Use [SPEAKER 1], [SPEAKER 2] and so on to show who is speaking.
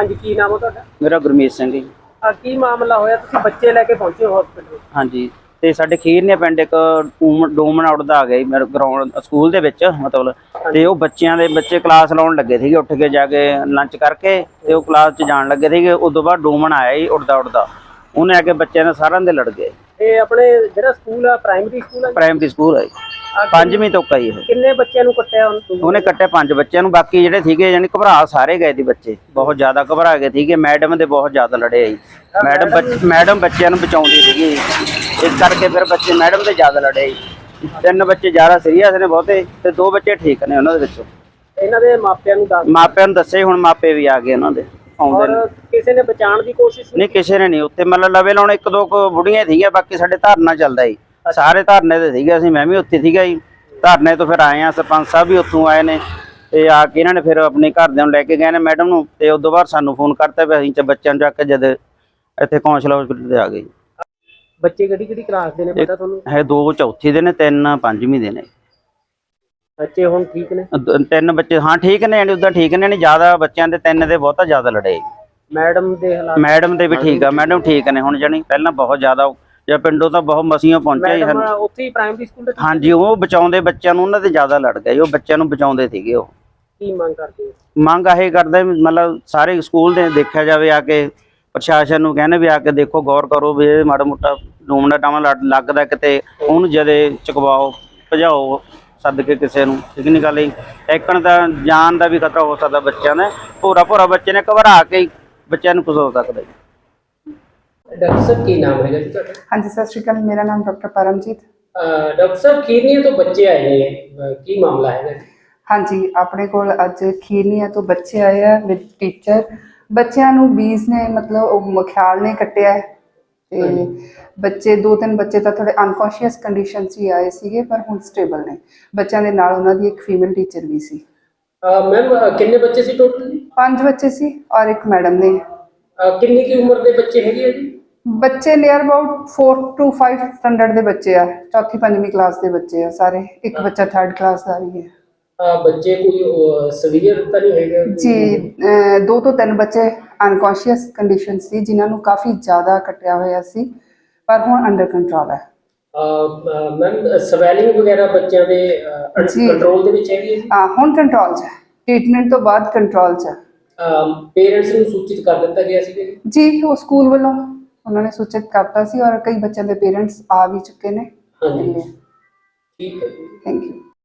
[SPEAKER 1] ਹਾਂਜੀ, ਕੀ ਨਾਮ ਹੈ ਤੁਹਾਡਾ?
[SPEAKER 2] ਮੇਰਾ ਗੁਰਮੀਤ ਸਿੰਘ ਜੀ।
[SPEAKER 1] ਕੀ ਮਾਮਲਾ ਹੋਇਆ, ਤੁਸੀਂ ਬੱਚੇ ਲੈ ਕੇ ਪਹੁੰਚੇ ਹੋ ਹਸਪੀਟਲ?
[SPEAKER 2] ਹਾਂਜੀ, ਤੇ ਸਾਡੇ ਖੀਰਨੇ ਪਿੰਡ ਇੱਕ ਡੂਮਨ ਉੱਡਦਾ ਆ ਗਿਆ ਜੀ ਮੇਰੇ ਗਰਾਊਂਡ ਸਕੂਲ ਦੇ ਵਿੱਚ ਮਤਲਬ। ਤੇ ਉਹ ਬੱਚੇ ਕਲਾਸ ਲਾਉਣ ਲੱਗੇ ਸੀਗੇ, ਉੱਠ ਕੇ ਜਾ ਕੇ ਲੰਚ ਕਰਕੇ ਤੇ ਉਹ ਕਲਾਸ 'ਚ ਜਾਣ ਲੱਗੇ ਸੀਗੇ। ਉਦੋਂ ਬਾਅਦ ਡੂਮਨ ਆਇਆ ਜੀ ਉੱਡਦਾ ਉਹਨੇ ਆ ਕੇ ਬੱਚਿਆਂ ਨੇ ਸਾਰਿਆਂ ਦੇ ਲੜ ਗਏ।
[SPEAKER 1] ਇਹ ਆਪਣੇ ਜਿਹੜਾ ਸਕੂਲ ਆ ਪ੍ਰਾਇਮਰੀ ਸਕੂਲ ਆ?
[SPEAKER 2] ਪ੍ਰਾਇਮਰੀ ਸਕੂਲ ਹੈ, 5ਵੀਂ ਤੋਂ ਆਈ ਇਹ।
[SPEAKER 1] ਕਿੰਨੇ ਬੱਚਿਆਂ ਨੂੰ ਕੱਟਿਆ
[SPEAKER 2] ਉਹਨੇ ਕੱਟਿਆ 5 ਬੱਚਿਆਂ ਨੂੰ, ਬਾਕੀ ਜਿਹੜੇ ਸੀਗੇ ਯਾਨੀ ਘਬਰਾ ਸਾਰੇ ਗਏ ਸੀ ਬੱਚੇ, ਬਹੁਤ ਜ਼ਿਆਦਾ ਘਬਰਾ ਗਏ ਸੀਗੇ। ਮੈਡਮ ਦੇ ਬਹੁਤ ਜ਼ਿਆਦਾ ਲੜੇ ਆ ਜੀ। ਮੈਡਮ ਬੱਚਿਆਂ ਨੂੰ ਬਚਾਉਂਦੀ ਸੀਗੀ, ਇਸ ਕਰਕੇ ਫਿਰ ਬੱਚੇ ਮੈਡਮ ਦੇ ਜ਼ਿਆਦਾ ਲੜੇ ਜੀ। 3 ਬੱਚੇ ਜ਼ਿਆਦਾ ਸੀਰੀਅਸ ਨੇ ਬਹੁਤੇ, ਤੇ 2 ਬੱਚੇ ਠੀਕ ਨੇ ਉਹਨਾਂ ਦੇ ਵਿੱਚੋਂ।
[SPEAKER 1] ਇਹਨਾਂ ਦੇ ਮਾਪਿਆਂ ਨੂੰ
[SPEAKER 2] ਦੱਸੇ, ਹੁਣ ਮਾਪੇ ਵੀ ਆ ਗਏ ਉਹਨਾਂ ਦੇ ਆਉਂਦੇ ਨੇ।
[SPEAKER 1] ਕਿਸੇ ਨੇ ਬਚਾਉਣ ਦੀ ਕੋਸ਼ਿਸ਼
[SPEAKER 2] ਨਹੀਂ, ਕਿਸੇ ਨੇ ਨਹੀਂ। ਉੱਥੇ ਮਤਲਬ ਲਵੇ ਲਾਉਣ 1-2 ਬੁੜੀਆਂ ਸੀਗੀਆਂ, ਬਾਕੀ ਸਾਡੇ ਧਰਨਾ ਚੱਲਦਾ ਜੀ, ਸਾਰੇ ਧਰਨੇ ਤੇ ਸੀਗੇ। ਅਸੀਂ ਮੈਂ ਵੀ ਉੱਥੇ ਸੀਗਾ ਜੀ। ਧਰਨੇ ਤੋਂ ਫਿਰ ਆਏ ਆ, ਸਰਪੰਚ ਸਾਹਿਬ ਵੀ ਉੱਥੋਂ ਆਏ ਨੇ, ਤੇ ਆ ਕੇ ਇਹਨਾਂ ਨੇ ਫਿਰ ਆਪਣੇ ਘਰਦਿਆਂ ਨੂੰ ਲੈ ਕੇ ਗਏ ਨੇ ਮੈਡਮ ਨੂੰ, ਤੇ ਉਸ ਤੋਂ ਬਾਅਦ ਸਾਨੂੰ ਫੋਨ ਕਰਤਾ ਵੀ ਅਸੀਂ ਬੱਚਿਆਂ ਨੂੰ ਚੱਕ ਕੇ ਜਦ ਇੱਥੇ ਕੌਂਸਲ ਹਸਪੀਟਲ ਤੇ ਆ ਗਏ।
[SPEAKER 1] ਬੱਚੇ ਕਿਹੜੀ ਕਲਾਸ ਦੇ ਨੇ ਪਤਾ ਤੁਹਾਨੂੰ?
[SPEAKER 2] ਹੈ 2 ਚੌਥੀ ਦੇ ਨੇ, 3 5ਵੀਂ ਦੇ ਨੇ।
[SPEAKER 1] ਬੱਚੇ ਹੁਣ ਠੀਕ ਨੇ?
[SPEAKER 2] 3 ਬੱਚੇ ਹਾਂ ਠੀਕ ਨੇ, ਯਾਨੀ ਉਦਾਂ ਠੀਕ ਨੇ, ਨਹੀਂ ਜ਼ਿਆਦਾ ਬੱਚਿਆਂ ਦੇ 3 ਦੇ ਬਹੁਤਾ ਜ਼ਿਆਦਾ ਲੜੇ।
[SPEAKER 1] ਮੈਡਮ ਦੇ ਹਾਲਾਤ?
[SPEAKER 2] ਮੈਡਮ ਦੇ ਵੀ ਠੀਕ ਆ, ਮੈਡਮ ਠੀਕ ਨੇ ਹੁਣ, ਜਾਣੀ ਪਹਿਲਾਂ ਬਹੁਤ ਜ਼ਿਆਦਾ ਜਾਂ ਪਿੰਡੋਂ ਤਾਂ ਬਹੁਤ ਮਸੀਆਂ ਪਹੁੰਚਿਆ ਜੀ ਸਾਨੂੰ।
[SPEAKER 1] ਉੱਥੇ ਹੀ ਪ੍ਰਾਇਮਰੀ ਸਕੂਲ ਦੇ?
[SPEAKER 2] ਹਾਂਜੀ, ਉਹ ਬਚਾਉਂਦੇ ਬੱਚਿਆਂ ਨੂੰ, ਉਹਨਾਂ ਦੇ ਜ਼ਿਆਦਾ ਲੜ ਗਏ, ਉਹ ਬੱਚਿਆਂ ਨੂੰ ਬਚਾਉਂਦੇ ਸੀਗੇ। ਉਹ
[SPEAKER 1] ਕੀ ਮੰਗ ਕਰਦੇ ਹੋ?
[SPEAKER 2] ਮੰਗ ਇਹ ਕਰਦੇ ਮਤਲਬ ਸਾਰੇ ਸਕੂਲ ਦੇ ਦੇਖਿਆ ਜਾਵੇ, ਆ ਕੇ ਪ੍ਰਸ਼ਾਸਨ ਨੂੰ ਕਹਿੰਦੇ ਵੀ ਆ ਕੇ ਦੇਖੋ, ਗੌਰ ਕਰੋ ਵੀ ਇਹ ਮਾੜਾ ਮੋਟਾ ਡੂਮਣਾ ਟਾਵਾਂ ਲੱਗਦਾ ਕਿਤੇ, ਉਹਨੂੰ ਜਦੇ ਚੁਕਵਾਓ, ਭਜਾਓ ਸੱਦ ਕੇ ਕਿਸੇ ਨੂੰ। ਠੀਕ ਨਹੀਂ ਗੱਲ ਜੀ, ਐਕਣ ਦਾ ਜਾਨ ਦਾ ਵੀ ਖਤਰਾ ਹੋ ਸਕਦਾ ਬੱਚਿਆਂ ਦਾ। ਭੋਰਾ ਬੱਚੇ ਨੇ ਘਬਰਾ ਕੇ ਬੱਚਿਆਂ ਨੂੰ ਕੁਝ ਹੋ ਸਕਦਾ ਜੀ।
[SPEAKER 1] ਡਾਕਟਰ ਸਾਹਿਬ ਕੀ ਨਾਮ ਹੈਗਾ ਜੀ ਤੁਹਾਡਾ?
[SPEAKER 3] ਹਾਂਜੀ, ਸਤਿ ਸ਼੍ਰੀ ਅਕਾਲ, ਮੇਰਾ ਨਾਮ ਡਾਕਟਰ ਪਰਮਜੀਤ।
[SPEAKER 1] ਡਾਕਟਰ ਸਾਹਿਬ, ਖੀਰਨੀਆ ਤੋਂ ਬੱਚੇ ਆਏ ਨੇ, ਕੀ ਮਾਮਲਾ ਹੈਗਾ?
[SPEAKER 3] ਹਾਂਜੀ, ਆਪਣੇ ਕੋਲ ਅੱਜ ਖੀਰਨੀਆ ਤੋਂ ਬੱਚੇ ਆਏ ਆ ਵਿਦ ਟੀਚਰ। ਬੱਚਿਆਂ ਨੂੰ ਬੀਜ ਨੇ ਮਤਲਬ ਉਹ ਮਖਿਆਲ ਨੇ ਕੱਟਿਆ, ਤੇ ਬੱਚੇ 2-3 ਬੱਚੇ ਤਾਂ ਥੋੜੇ ਅਨਕੌਂਸ਼ੀਅਸ ਕੰਡੀਸ਼ਨ 'ਚ ਹੀ ਆਏ ਸੀਗੇ, ਪਰ ਹੁਣ ਸਟੇਬਲ ਨੇ। ਬੱਚਿਆਂ ਦੇ ਨਾਲ ਉਹਨਾਂ ਦੀ ਇੱਕ ਫੀਮੇਲ ਟੀਚਰ ਵੀ ਸੀ।
[SPEAKER 1] ਮੈਮ, ਕਿੰਨੇ ਬੱਚੇ ਸੀ ਟੋਟਲ?
[SPEAKER 3] 5 ਬੱਚੇ ਸੀ ਔਰ ਇੱਕ ਮੈਡਮ ਨੇ।
[SPEAKER 1] ਕਿੰਨੀ ਕੀ ਉਮਰ ਦੇ ਬੱਚੇ ਹੈਗੇ ਆ ਜੀ?
[SPEAKER 3] ਬੱਚੇ ਨੀਅਰ ਅਬਾਊਟ 4 to 5 ਸਟੈਂਡਰਡ ਦੇ ਬੱਚੇ ਆ, 4th-5ਵੀਂ ਕਲਾਸ ਦੇ ਬੱਚੇ ਆ ਸਾਰੇ। ਇੱਕ ਬੱਚਾ 3rd ਕਲਾਸ ਦਾ ਵੀ ਹੈ।
[SPEAKER 1] ਬੱਚੇ ਕੋਈ ਸੀਵੀਅਰ ਤਾਂ ਨਹੀਂ ਹੈਗੇ
[SPEAKER 3] ਜੀ? 2 ਤੋਂ 3 ਬੱਚੇ ਅਨਕੌਂਸ਼ੀਅਸ ਕੰਡੀਸ਼ਨ ਸੀ, ਜਿਨ੍ਹਾਂ ਨੂੰ ਕਾਫੀ ਜ਼ਿਆਦਾ ਕੱਟਿਆ ਹੋਇਆ ਸੀ, ਪਰ ਹੁਣ ਅੰਡਰ ਕੰਟਰੋਲ ਹੈ।
[SPEAKER 1] ਮੈਮ, ਸਵੈਲਿੰਗ ਵਗੈਰਾ ਬੱਚਿਆਂ ਦੇ ਕੰਟਰੋਲ ਦੇ ਵਿੱਚ ਹੈਗੀ ਹੈ?
[SPEAKER 3] ਹਾਂ, ਹੁਣ ਕੰਟਰੋਲ 'ਚ ਹੈ, ਟ੍ਰੀਟਮੈਂਟ ਤੋਂ ਬਾਅਦ ਕੰਟਰੋਲ 'ਚ ਹੈ।
[SPEAKER 1] ਪੇਰੈਂਟਸ ਨੂੰ ਸੂਚਿਤ ਕਰ ਦਿੱਤਾ ਗਿਆ ਸੀ
[SPEAKER 3] ਜੀ? ਉਹ ਸਕੂਲ ਵੱਲੋਂ ਉਹਨਾਂ ਨੇ ਸੂਚਿਤ ਕਰਤਾ ਸੀ, ਔਰ ਕਈ ਬੱਚਿਆਂ ਦੇ ਪੇਰੈਂਟਸ ਆ ਵੀ ਚੁੱਕੇ ਨੇ।
[SPEAKER 1] ਹਾਂਜੀ, ਠੀਕ ਹੈ।
[SPEAKER 3] Thank you.